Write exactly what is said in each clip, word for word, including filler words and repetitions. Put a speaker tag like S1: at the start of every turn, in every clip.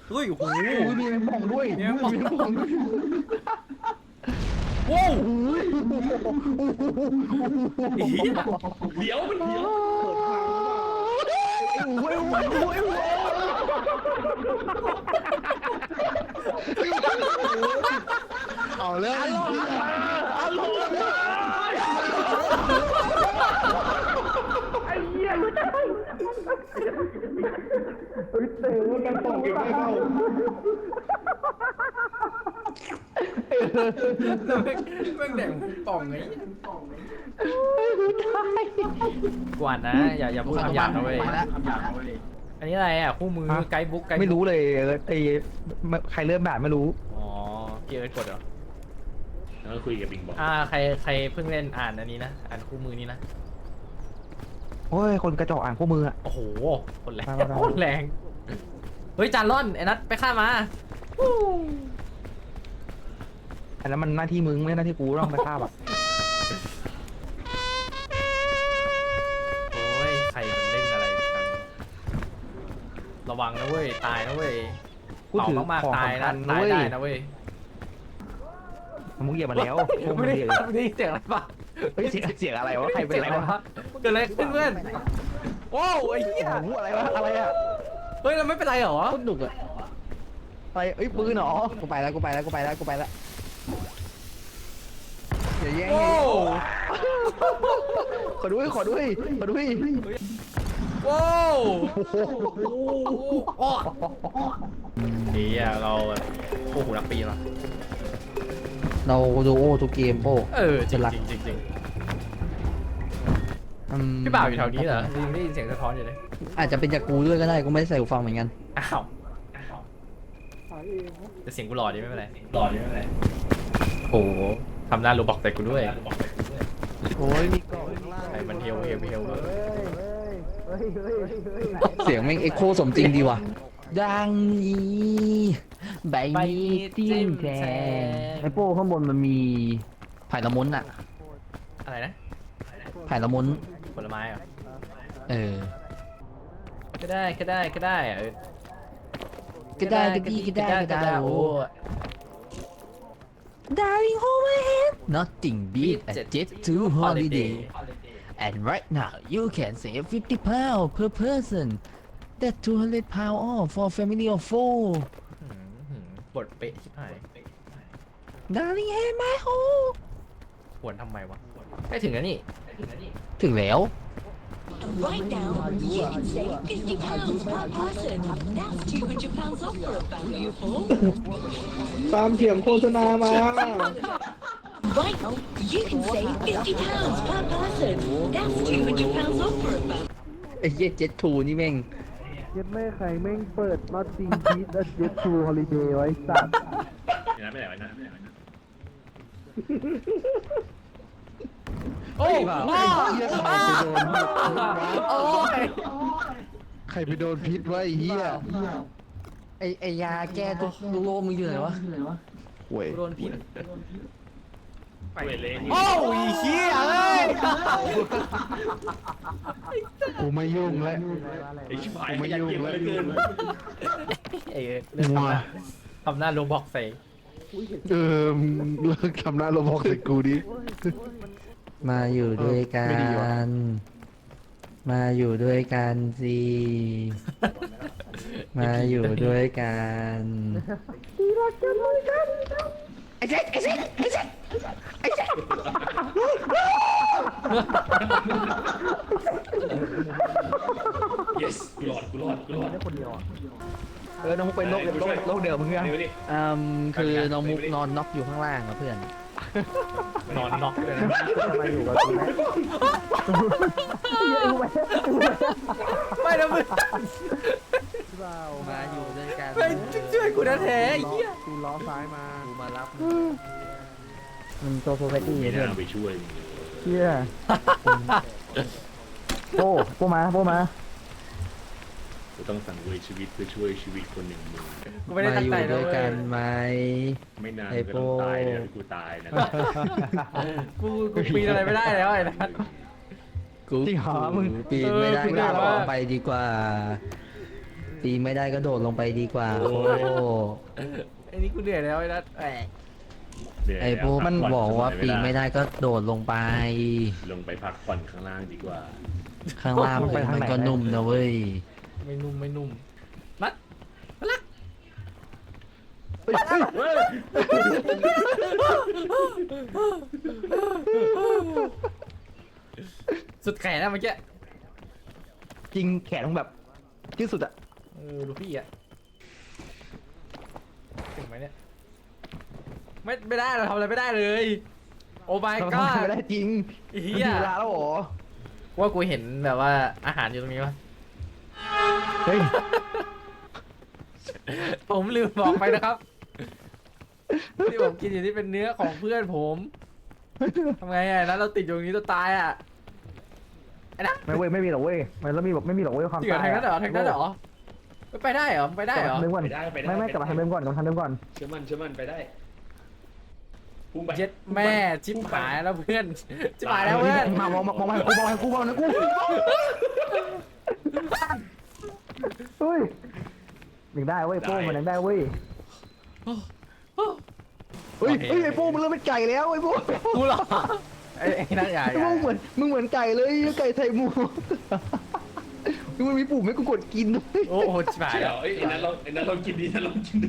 S1: เฮ้ยโอ้โห
S2: มีแมงป่องด้วยมีแมงป่องด้วย
S1: ว้าว
S3: เดี๋ยวมันเดี๋ยว
S2: โอ้ยโอ้ยโอ้ยโอ้ยเอาเลยอร่อยอร่อยไอ้เหี้ยรู้จักเฮ้ยเต๋อกันป่องเก็บไม่เข้า
S1: แล้วแม่งแม่งแดงป่องไงกวนนะอย่าอย่าพูดคำหยาบนะเว้ยอันนี้อะไรอ่ะคู่มือไกด์บุ๊กไกด์
S2: ไม่รู้เลยไอ้ใครเริ่มแบบไม่รู้
S1: อ๋อเกียร์กดเหรอ
S3: แล้วก็คุยกับบิงบอก
S1: อ่าใครใครเพิ่งเล่นอ่านอันนี้นะอ่านคู่มือนี้นะ
S2: โอ้ยคนกระจอกอ่านคู่มืออ่ะ
S1: โอ้โหคนแรงคนแรงเฮ้ยจานร่อนไอ้นัทไปฆ่ามา
S2: อันนั้นมันหน้าที่มึงไม่หน้าที่กูต้องไปฆ่าแบบ
S1: โอ้ยใครมันเล่นอะไรกันระวังนะเว้ยตายนะเว้ยเป่ามากๆตายนะตายได้นะเว้ย
S2: มึงเหยียบมาแล้ว
S1: ไม่ได้ไม่ได้เสียงอะไรปะ
S2: เฮ้ยเสียงเสียงอะไรวะใครเป็นอะไรวะ
S1: เกิดอะไรขึ้นเพื่อนโอ้ไอ้เหี้ย
S2: อะไรวะอะไรอ่ะ
S1: เฮ้ยเราไม่เป็นไรเหรอ
S2: ต้นดุกอะอะไรเอ้ยปืนเหรอกูไปแล้วกูไปแล้วกูไปแล้วกูไปแล้วอย่าแย่งขอด้วยขอด้วยขอด้วย
S1: ว้าวเฮียเราโอ้โหนักปีนว่ะ
S2: เราดูโอ้ทุกเกมโอ้
S1: เออจริงจริงจริงจริงพี่บ่าวอยู่แถวนี้เหรอยังได้ยินเสียงสะท้อนอยู่เลย
S2: อาจจะเป็นจากกูด้วยก็ได้กูไม่ได้ใส่หูฟังเหมือนกัน
S1: อ้าวแต่เสียงกูหล่อดีไม่เป็นไรหล่อดีไม่เป็นไรโอ้ทำหน้าโรบอกใส่กูด้วย
S2: โอ้ยมีกล่อง
S1: ไอ้มันเฮลเฮลเฮล
S2: เสียงแม่งเอ็กโคสมจริงดีว่ะดังนี้ใบนี้จิ้มแทงไอโป้ข้างบนมันมีไผ่ละมุนอะ
S1: อะไรนะ
S2: ไผ่ละมุน
S1: ผลไม้เหรอ
S2: เออ
S1: ก็ได้ก็ได้ก็ได้เออ
S2: ก็ได้ก็ดีก็ได้ก็ได้โอ้ Darling hold my hand nothing beat a jet to holiday and right now you can save fifty pounds per person that two hundred pounds off for family of four
S1: บทเป๊ะชิบหาย
S2: Darling hand my home
S1: ปวดทำไมวะใกล้ถึงแล้วนี่
S2: ถึงแล้ว
S4: Right now, you can save fifty pounds per person. That's two hundred pounds off for a family of four.
S2: ตามเถียงโฆษณามา
S4: Right now, you can save fifty pounds per person. That's two hundred pounds off for a family.
S2: ไอ้เจ็ดเจ็ดทูนี่แม่ง
S5: เจ็ดไม่ใครแม่งเปิดน็อตจริงพีทและเจ็ดทูฮอลิเดย์ไว้สัตว์
S3: อย่างนั้นไม่ไหวนะ
S1: โอ้ย
S5: ใครไปโดนพิษวะไอ้เหี้ย
S2: ไอไอยาแก้ทุกโรคมึงอยู่ไหนวะ
S5: เว้ย
S1: โดนพิษ
S3: ไปเลย
S1: โอ้ยเฮียเอ้ย
S5: กูไม่ยุ่งแล้ว
S3: ไอ้ชิบหายไม่ยุ่งเลยเกิน
S1: เออเรื่องทำหน้าโรบอกใส่
S5: เออเลิกทำหน้าโรบอกใส่กูดิ
S2: มาอยู่ด้วยกันมาอยู่ด้วยกันสิมาอยู่ด้วยกันไอ้เจ๊ไอ้เจ๊ไอ้เจ๊ไอ้เจ๊
S3: yes กูรอดกูรอดกูรอด
S2: คนเดียวเออน้องมุกเป็นโรคโรคโรคเดิมมึงไงอืมคือน้องมุกนอนน็อกอยู่ข้างล่างนะเพื่อน
S1: นอนน็อกเลยนะ
S5: มาอยู่กับกู
S1: ไม่นะมึง
S2: มาอยู่ด้วยกัน
S1: ไปช่วยกูนะแท้เหี้ย
S5: กูล้อซ้ายมา
S2: กูมารับมันโตโซเฟตี้
S3: เพื่
S2: อน
S3: ไปช่วย
S5: เฮียโป้โป้มาโป้มา
S3: กูต้องสั่งเวยชีวิตเพื่อช่วยชีวิตคนหนึ่งมึง
S2: มาอยู่ด้วยกันไหม
S3: ไม่นานก็ต้องตายเลยกูตายนะ
S1: กูกูปีนอะไรไม่ได้แล้วไอ้นัท
S2: กูปีนไม่ได้ก็ออกไปดีกว่าปีนไม่ได้ก็โดดลงไปดีกว่า
S3: โอ้
S2: โอ้
S3: ย
S1: ไอ้นี่กูเหนื่อยแล้วไอ้นัทแหม
S3: เหนื่ย
S2: ไอ้โบมัน
S3: พัผ่
S2: บอกว่า
S3: สัห
S2: ปี
S3: ย
S2: น
S3: เวล
S2: ไม่ได้ก็โดดลงไป
S3: ลงไปพักผ่อนข้างล่างดีกว่า
S2: ข้างล่างมันก็นุ่มนะเว้ย
S1: ไม่นุ่มไม่นุ่มนัท
S3: เฮ้ย
S1: สุดแขนนะเมื่อกี้
S5: จริงแขนต้องแบบที่สุดอะ
S1: เออดูพี่อะถึงไหมเนี่ยไม่ไม่ได้เราทำอะไรไม่ได้เลย โอ้ my
S5: ทำ
S1: god
S5: ไม่ได้จริง
S1: เฮี
S5: มัน
S1: ย
S5: ถึงเวลาแล้วเหรอ
S1: ว่ากูเห็นแบบว่าอาหารอยู่ตรงนี้วะ
S5: เฮ้ย
S1: ผมลืมบอกไปนะครับ ที่ผมกินอยู่นี่เป็นเนื้อของเพื่อนผมทำไงอ่ะนั้นเราติดอยู่ตรงนี้ตัวตายอ่ะไอ้นะ
S5: ไม่เว้ยไม่มีหรอกเว้ยมันแล้วมีแบบไม่มีหรอกเว้ยความ
S1: จริงเหรอ
S5: ตาย
S1: ทางนั้นเหรอทางนั้นเหรอไม่ไปได้เหรอไปได้
S5: กลับ
S1: เหรอ
S5: มาทางเดิมก่อน
S3: ไปได้ไปได้
S5: ไม่ไม่กลับมาทางเดิมก่อนกลับมาทางเดิมก่อน
S3: เชื่อมั่นเชื่อมั่นไปได้พุ่งไป
S1: เจ็ดแม่ชิบหายแล้วเพื่อนชิบหายแล้วเพื่อน
S5: มามองมองมองมากูมองมากูมองนะกูเฮ้ยยังได้เว้ยโป้มันยังได้เว้ยเฮ้ยเฮ้ยไอ้โป้มันเริ่มเป็นไก่แล้วไอ้โป้
S1: กูเหรอไอ้ไอ้นั่นใหญ่
S5: ไอ้โป้เหมือนมึงเหมือนไก่เลยไก่ไทยหมูมันมีปุ่มให้กูกดกินด้วย
S1: โอ้โหชิบหาย
S3: ใช่เหร
S1: แล้ว
S3: อไอ้ยไอ้นั้นเราไอ้นั้นเรากินดีนั้นเรากินดี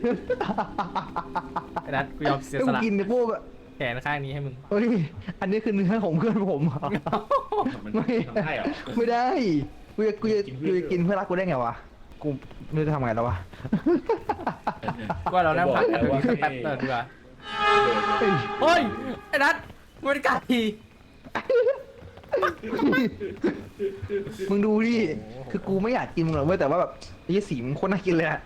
S1: ไอ้นัทกูยอมเสีย
S5: ให้
S1: ส
S5: กู
S1: ละ
S5: กินไอ้โป้แบบ
S1: แขนข้างนี้ให้มึง
S5: เฮ้ยอันนี้คือเนื้อของเพื่อนผม
S3: มัน
S5: ไม่
S3: ทำได้เหรอ
S5: ไม่ได้กูจะกูจะ
S3: กิน
S5: กู
S3: เพื่อน
S5: จะกินเพื่อนรักกูได้ไงวะกูไม่รู้จะทำไงแล้ววะ
S1: ก็เรานั่งพักกันตรงนี้แป๊บเดียวดีกว่าเฮ้ยไอ้นัทมึงเป็นไก่
S5: มึงดูดิคือกูไม่อยากกินมึงหรอกเว้ยแต่ว่าแบบไอ้ยี่สีมึงโคตรน่ากินเลยอะ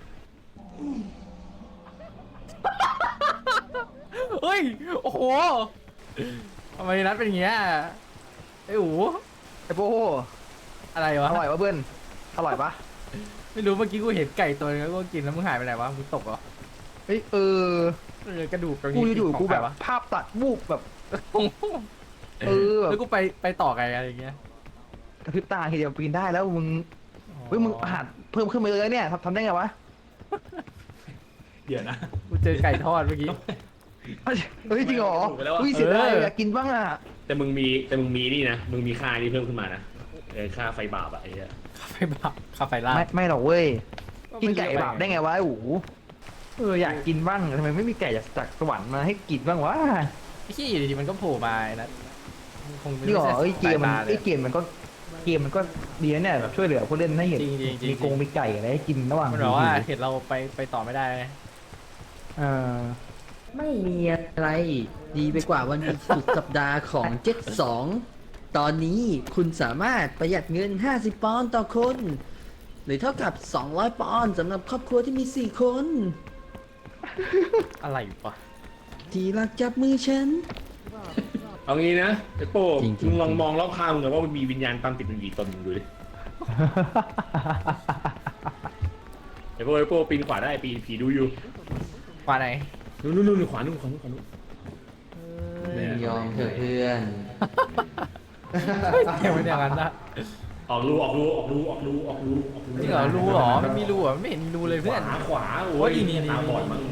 S1: เฮ้ยโอ้โหทำไมนัทเป็นอย่างเงี้ยไอ้หู
S5: ไอ้โป้
S1: อะไร
S5: อ
S1: วะ
S5: ร่อยปะเพื่อนอร่อยปะ
S1: ไม่รู้เมื่อกี้กูเห็นไก่ตัวนึงแล้วกูกินแล้วมึงหายไปไหนวะมึงตกเหรอ
S5: เฮ้ยเออ
S1: เออกระดูกตรง
S5: กู
S1: นี้
S5: อยู่ๆกูแบบ
S1: ของใครวะ
S5: ภาพตัดวูบแบบเออแบ
S1: แล้ว
S5: บ
S1: กูไปไปต่อไงอะไรอย่างเงี้ย
S5: กระพริบตาทีเดียวปีนได้แล้วมึงเฮ้ยมึงอาหารเพิ่มขึ้นมาเลยเนี่ยทำทำได้ไงวะ
S3: เดี๋ยวนะ
S1: กูเจอไก่ทอดเมื่อกี้
S5: เฮ้ยจริงเหรอ
S3: ถูกไปแล้วอะ
S5: อุ้ยเสียดาย
S1: เออ
S5: อยากกินบ้างอ่ะ
S3: แต่มึงมีแต่มึงมีนี่นะมึงมีค่านี่เพิ่มขึ้นมานะเออค่าไฟบาปอะไอ้เหี้ย
S1: คาไฟบาปคาไฟล่า
S5: ไม่ไม่หรอกเว้ยกินไก่บาปได้ไงวะไอ้หูเอออยากกินบ้างทำไมไม่มีไก่จากจากสวรรค์มาให้กินบ้างวะ
S1: ไอ้ขี้อยู่ดีๆมันก็โผล่มาไอ้นัทมันคงไม่
S5: นี่หรอ
S1: ใช่
S5: เอ้ยเกมมัน
S1: สายตาล
S5: ไอ้
S1: ย
S5: เกมมันก็เกมมันก็ดีนะเนี่ยแบบช่วยเหลือผู้เล่นให้เห็น
S1: จริงๆจริงๆ
S5: มีกงมีไก่อะไรให้กินระหว่าง
S1: มันบอกว่า
S5: หิว
S1: เห็นเราไปไปต่อไม่ได้ไง
S5: เออ
S2: ไม่มีอะไร ดีไปกว่าวันหยุดสุดสัปดาห์ของเจ็ดสองตอนนี้คุณสามารถประหยัดเงิน ห้าสิบ ปอนด์ต่อคน หรือเท่ากับ สองร้อย ปอนด์สำหรับครอบครัวที่มี สี่ คน
S1: อะไรวะ
S2: ที่รักจับมือฉัน
S3: เอางี้นะไอ้โป้
S2: จริงๆ
S3: มึงลองมองรอบข้างมึงหน่อยว่ามันมีวิญญาณตามติดมึงกี่ตนมึงดูดิไอ้โป้ไอ้โป้ปีนขวาได้ปีนผีดูอยู่
S1: กว่าไหน
S3: นู่นนู่นนู่นขวานู่นขวานู่นขวานู่น เนี่ย
S2: ยอมเถอะเพื่อน
S1: เกมมันอย่างนั้นนะ
S3: ออกรูออกรูออกรูออกรูออกรูออกรู
S1: จริงเหรอรูเหรอไม่มีรูเหรอไม่เห็นมีรูเลย
S3: ข
S1: เพื่อน
S3: วาขวาโอ้
S1: โอ้
S3: ย
S1: ยนี่นี่
S3: ตาบอด
S1: นี่
S3: มั้ง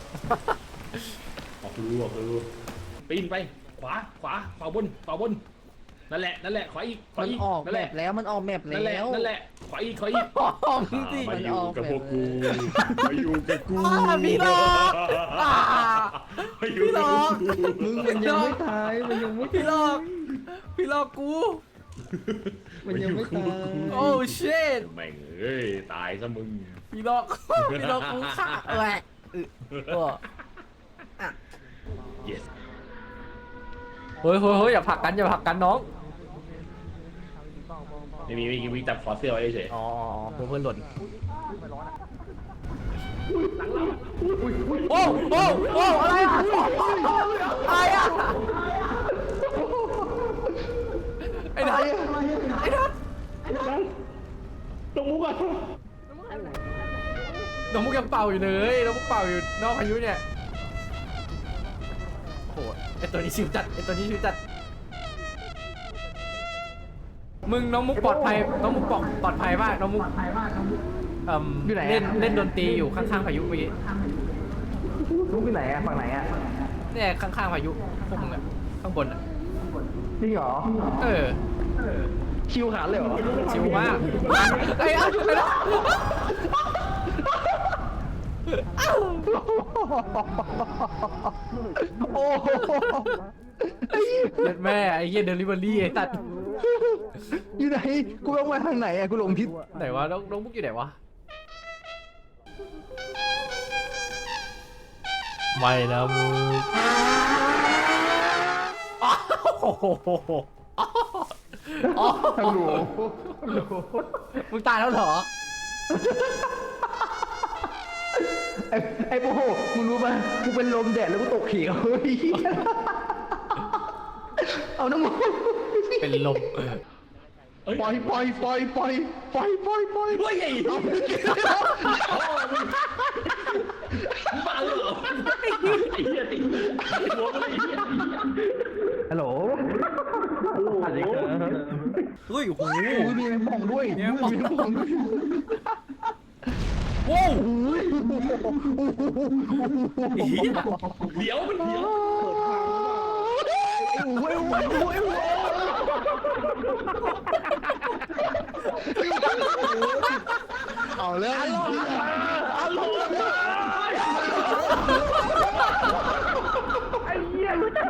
S3: ออกรูออกรูปีนไปขวาขวาขวาบนขวาบนนั่นแหละนั่นแหละขวาอีกขวา
S2: มัน
S3: อีก
S2: ออก
S3: นั่น
S2: แม
S3: แหละ
S2: ปแล้วมันออกแมป
S3: นั่นแหละ
S2: แล้ว
S3: นั่นแหละขวาอีกขวาอีก
S1: อ๋อมึงสิ
S3: มาอยู่กับพวกกูมาอยู่กับกู
S1: อ่าพี่หลอกอ่า
S3: มาอยู่กับกู
S5: มึงมันยังไม่ตายมันยังไม่
S1: พี่หลอกพี่หลอกกู
S5: มันยังไม่ตาย
S1: โอ้ชิต
S3: แม่งเอ้ยตายซะมึง
S1: พี่หลอกพี่หลอกกูค่ะแหวะเออ
S3: yes
S1: เฮ้ยเฮ้ยเฮ้ยอย่าผลักกันอย่าผลักกันน้อง
S3: ไม่มีไม่มีวิ่งจับคอเสื้อไว้เฉย
S1: อ๋อเพื่อนหล่นโอ้โอ้โอ้อะไรอะอะไรอะไอ้นัทไอ้นัท
S3: ตรงมุกอ่ะ
S1: น้องมุกยังเป่าอยู่เลยน้องมุกเป่าอยู่นอกพายุเนี่ยโอ้โหไอตัวนี้ชิวจัดไอตัวนี้ชิวจัดมึงน้องมุกปลอดภัยน้องมุกปลอดปลอดภัยมากน้องมุกเอ่ม
S5: อยู่ไหนอะ
S1: เล่นเล่นดนตรีอยู่ข้างๆพายุเมื่อกี้
S5: ลูกที่ไหนอะฝั่งไหนอะ
S1: เนี่ยข้างๆพายุพวกมึงอะข้างบนอะ
S5: จริงเหรอ
S1: เออ
S5: ชิวขาดเลยเหรอ
S1: ชิวมากไอ้ยเอาไปแล้ว
S5: โอ้โห
S1: เด็ดแม่ไอ้เหี้ยเดลิเวอรี่ไอ้ตัด
S5: อยู่ไหนกูต้องมาทางไหนอะกูหลงทิศ
S1: ไหนวะน้องน้องมุกอยู่ไหนวะไม่นะมุกโอ้โห
S5: ฮัลโหล
S1: มึงตายแล้วเหรอ
S5: ไอ้ไอ้โอ้โหมึงรู้ป่ะกูเป็นลมแดดแล้วกูตกเขียวเฮ้ยเอาน้ำมัน
S1: เป็นลม
S5: ปล่อยปล่อยปล่อยปล่อยปล่อยปล่อยปล่อย
S3: เฮ้ยไอ้เอาบ้าเหรอไอ้เหี้ยติดหัวมันไอ้เหี้ย
S5: ฮัลโหลฮัลโหล
S1: เฮ้ยโอ้โห
S5: อุ้ยมีแมงป่องด้วยมีแมงป่องด้วย
S1: โว้ว
S3: เดี๋ยวมันเดี๋ยว
S5: โอ้ยโอ้ยโอ้ยโอ้ยเอาเลย
S3: อารมณ์ไอ้เหี้ยรู้จัก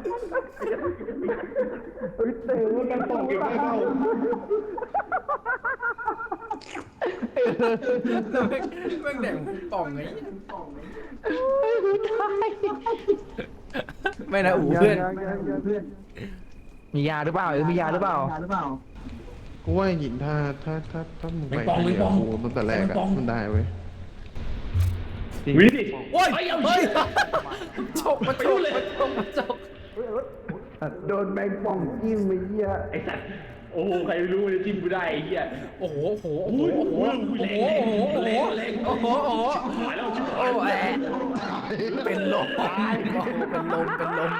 S5: เฮ้ยเตะกันป่องอีกไม่เข้า
S1: แล้วแม่งแม่งแดงป่องไงไม่นะอู๋เพื่อน
S5: มียาหรือเปล่าเออมียาหรือเปล่า
S6: กูว่าหินถ้าถ้าถ้าถ้ามึงไปคนเดียวกูตั้งแต่แรกอะมันได้เว้ย
S3: วิ่งดิ
S1: โอ้ย
S3: เฮ้ยเอา
S1: เฮ้
S3: เฮ้
S1: ย
S3: ย
S1: จกมาจกมาจกมาจก
S5: โดนแมงป่องจิ้มไปเหี้ย
S3: ไอ้สัตว์โอ้โหใครไม่รู้จะจิ้มกูได้ไอ้เหี้ย
S1: โอ้โหโอ้โหโอ้โหโอ้โหโอ้โหโอ้โหโอ้โหโอ้โห
S3: หายแล้วชิบ
S1: โอ้
S3: หาย
S1: แอะเป็นลมเป็นลมเป็นลม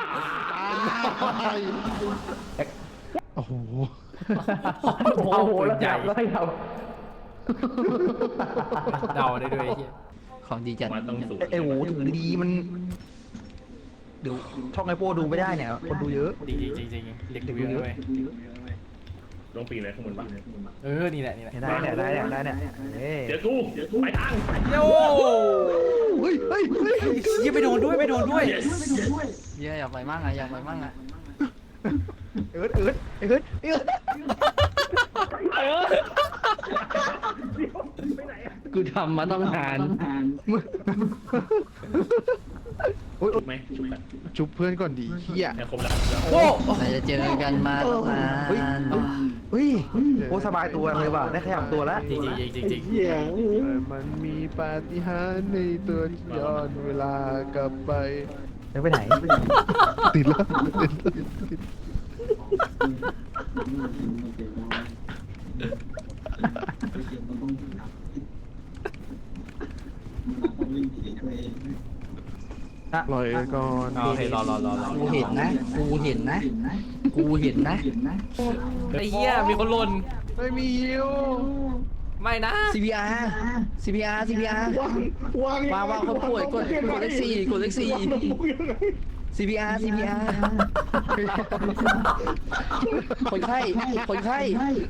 S6: โอ้โห
S5: โอ้โหแล้ว
S1: ใหญ่
S5: จับแล้วให้เรา
S1: เดาได้ด้วยไอ้เหี้ย
S2: ของดีจัด
S3: มันต้องสูง
S5: ไอ้โหถือดีมันเดี๋ยวช่องไอโป้ดูไม่ได้เนี่ยคนดูเยอะ
S1: จริงจริงจริงจริงเด็กดูเยอะด้วย
S3: ลงปีนอะไรข้างบนบ้าง
S1: เออนี่แหละนี่แหละ
S5: ได้เนี่ยได้เนี่ยได้เนี่ยเฮ้ย
S3: เดี๋ยวกูไปทาง
S1: โย่
S5: เฮ้ยเฮ้ยเฮ้ย
S1: ยังไปโดนด้วยไปโดนด้วย
S2: เยอะอยากไปมั่งอะอยากไปมั่งอะ
S5: เอิร์ดเอิร์ดเอิร์ดเอิร์ดกูทำมาต้องนาน
S3: ชุบไหมชุบกัน
S6: ชุบเพื่อนก่อนดีเฮีย
S3: แต่ครบแล้ว
S1: โอ้
S2: เราจะเจอกันมาตั้งนาน
S5: เฮ้ยโอ้สบายตัวเลยว่ะได้ขยับตัวแล้ว
S1: จริงจริงจริงจริง
S6: เฮียมันมีปาฏิหาริย์ในตัวที่ย้อนเวลากลับไป
S5: แล้วไปไหน
S6: ติดแล้วติดติด ปล่อยก่อน
S1: โอเครอรอรอรอ
S2: กูเห็นนะ กูเห็นนะ กูเห็นนะ
S1: ไอ้เหี้ยมีคนหล่น
S6: ไม่มีฮิว
S1: ไม่นะ
S2: ซี พี อาร์ ซี พี อาร์ ซี พี อาร์ วางวางคนป่วยกดกดเลขสี่กดเลขสี่ ซี พี อาร์ ซี พี อาร์ คนไข้ คนไข้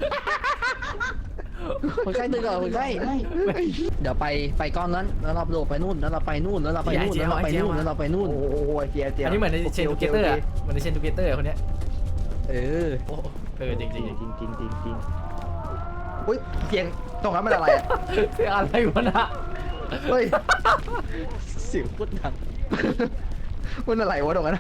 S2: คนไข้ตื่นก่อนคนไข้ เดี๋ยวไปไปก้อนนั้น แล้วเราโดดไปนู่น แล้วเราไปนู่น แล้วเราไปนู่น แล้วเราไปนู่น แล้วเราไปนู่น
S5: โอ้โหเจียเจีย
S1: อันนี้เหมือนในเชนทูเกเตอร์อะเหมือนในเชนทูเกเตอร์คนเนี้ย
S2: เออ
S1: โอ้เออจริงจริงจริง
S5: จริงจริงจริงจริงอุ้ยเสียงตรงนั้นมันอะไรอ่ะ
S1: เสียงอะไรวะนะ
S5: เฮ้ย
S2: เสียงพูดดัง
S5: มันอะไรวะตรงนั้น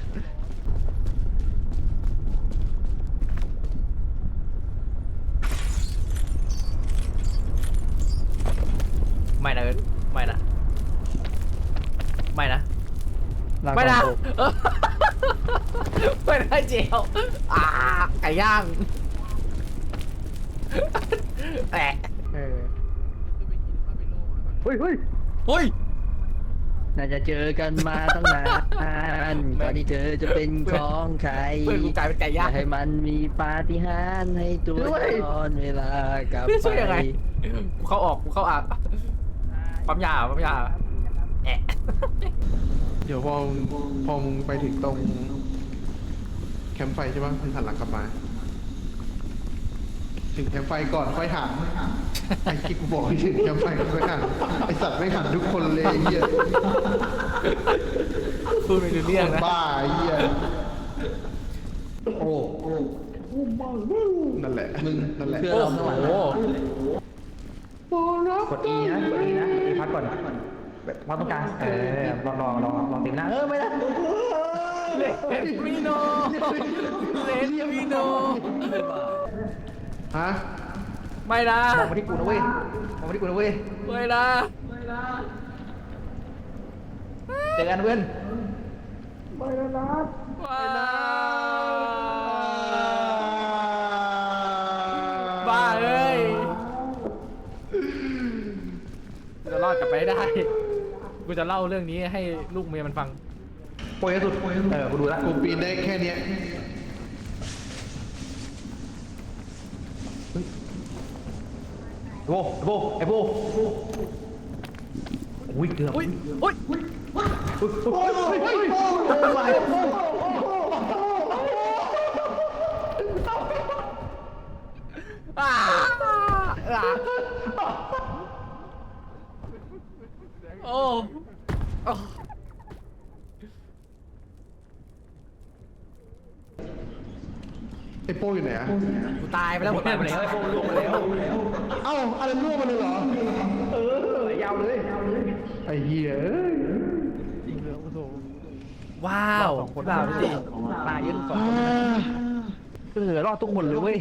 S1: ไม่นะเอิร์ธไม่นะไม่นะ
S5: ลาก่อน
S1: ไม่นะ
S5: โต
S1: เออไม่ได้เจียวอ่าไก่ย่างแอะ
S5: เออเฮ้ยเฮ้ย
S1: เฮ้ย
S2: น่าจะเจอกันมาตั้งนานก่อนที่เธอจะเป็นของใคร
S1: เพื่อนกูกลายเป็นไก่
S2: อย่า
S1: ย่าง
S2: ให้มันมีปาฏิหาริย์ให้ตัวย้อนเวลากลับ
S1: พี่
S2: ไป
S1: ช่วยยังไงกูเข้าออกกูเข้าอาบปั๊มยาปั๊มยาแอะ
S6: เดี๋ยวพอพอมึงไปถึงตรงแคมป์ไฟใช่ปะมึงหันหลังกลับมา ถึงแคมป์ไฟก่อนค่อยหันไอ้กิ๊กบอกให้ถึงแคมป์ไฟก่อนค่อยหันไอสัตว์ไม่หันทุกคนเลยไอ้เหี้ย
S1: พูดไม่รู้เรื่อง
S6: คน
S1: นะ
S6: บ้าไอ้เหี้ย
S5: โอ้โห
S6: นั่นแหละมึงนั่นแหละ
S2: เพื่อนเราข้างหลัง
S1: โอ้โห
S5: กด E นะกด E นะ E พักก่อนแบบพักตรงกลางเออลองลองลองลองติมหน้าเออไม่ได้
S1: เลนมิโนเลนมิโน
S6: ฮะ
S1: ไม่นะ
S5: มองมาที่กูนะเว้ยมองมาที่กูนะเว้ย
S1: ไม่นะ
S5: เจอกันเพื่อน
S1: ไม่นะบ้าเอ้ยจะรอดกลับไปให้ได้ กูจะเล่าเรื่องนี้ให้ลูกเมียมันฟัง
S5: โปรยสุดเออกูดูแล้ว
S6: กูปีนได้แค่เนี้ย
S5: โบโบไอ้โบอุ้ยเกือบ
S1: อุ้ยอุ้ย
S5: โอ้ยโอ้ยโอ้ยโอ้ย
S1: อ่าอ่าโอ้โอ้
S6: ไอ้โป้อยู่ไหนอะ
S1: กูตายไปแล้วหมด
S5: ตายไปแล้วไอ้โบลงไปแล้ว
S6: เอ้าอะไรล่วงมาเลยเหรอ
S5: เออยาวเลย
S6: ไอ้เหี้ยเอ้ย
S1: ว้าวว้าวดิ
S5: ตายเยอะทุกสองคนเออรอดทุกคนเลยเว้ย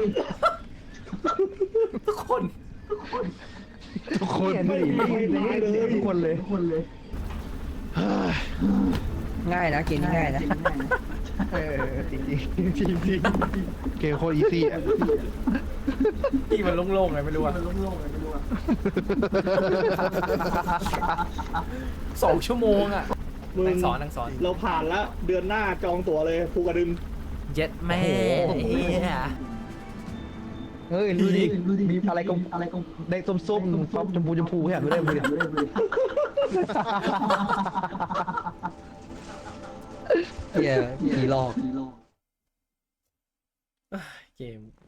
S1: ทุกคน
S6: ทุกคน
S5: ไม่เลยทุกคนเลยคนเลย
S2: ง่ายนะเกมนี้ง่ายนะ
S5: เออจริงจริงจริงจริง
S6: เกมโคตรอีซี่อะ
S1: ที่มันโล่งๆไงไม่รู้อะสองชั่วโมงอะ
S7: มึง
S1: นั่งสอนนั่งสอน
S7: เราผ่านแล้วเดือนหน้าจองตั๋วเลยภูกระดึง
S1: เย็ดแม่เฮีย
S5: เฮ้ยดูดิมีอะไรกลมอะไรกลมในส้มส้มๆฟ้าชมพูชมพูแค่ไม่ได้ไม่ได้
S2: เฮียผีหลอก
S1: เกม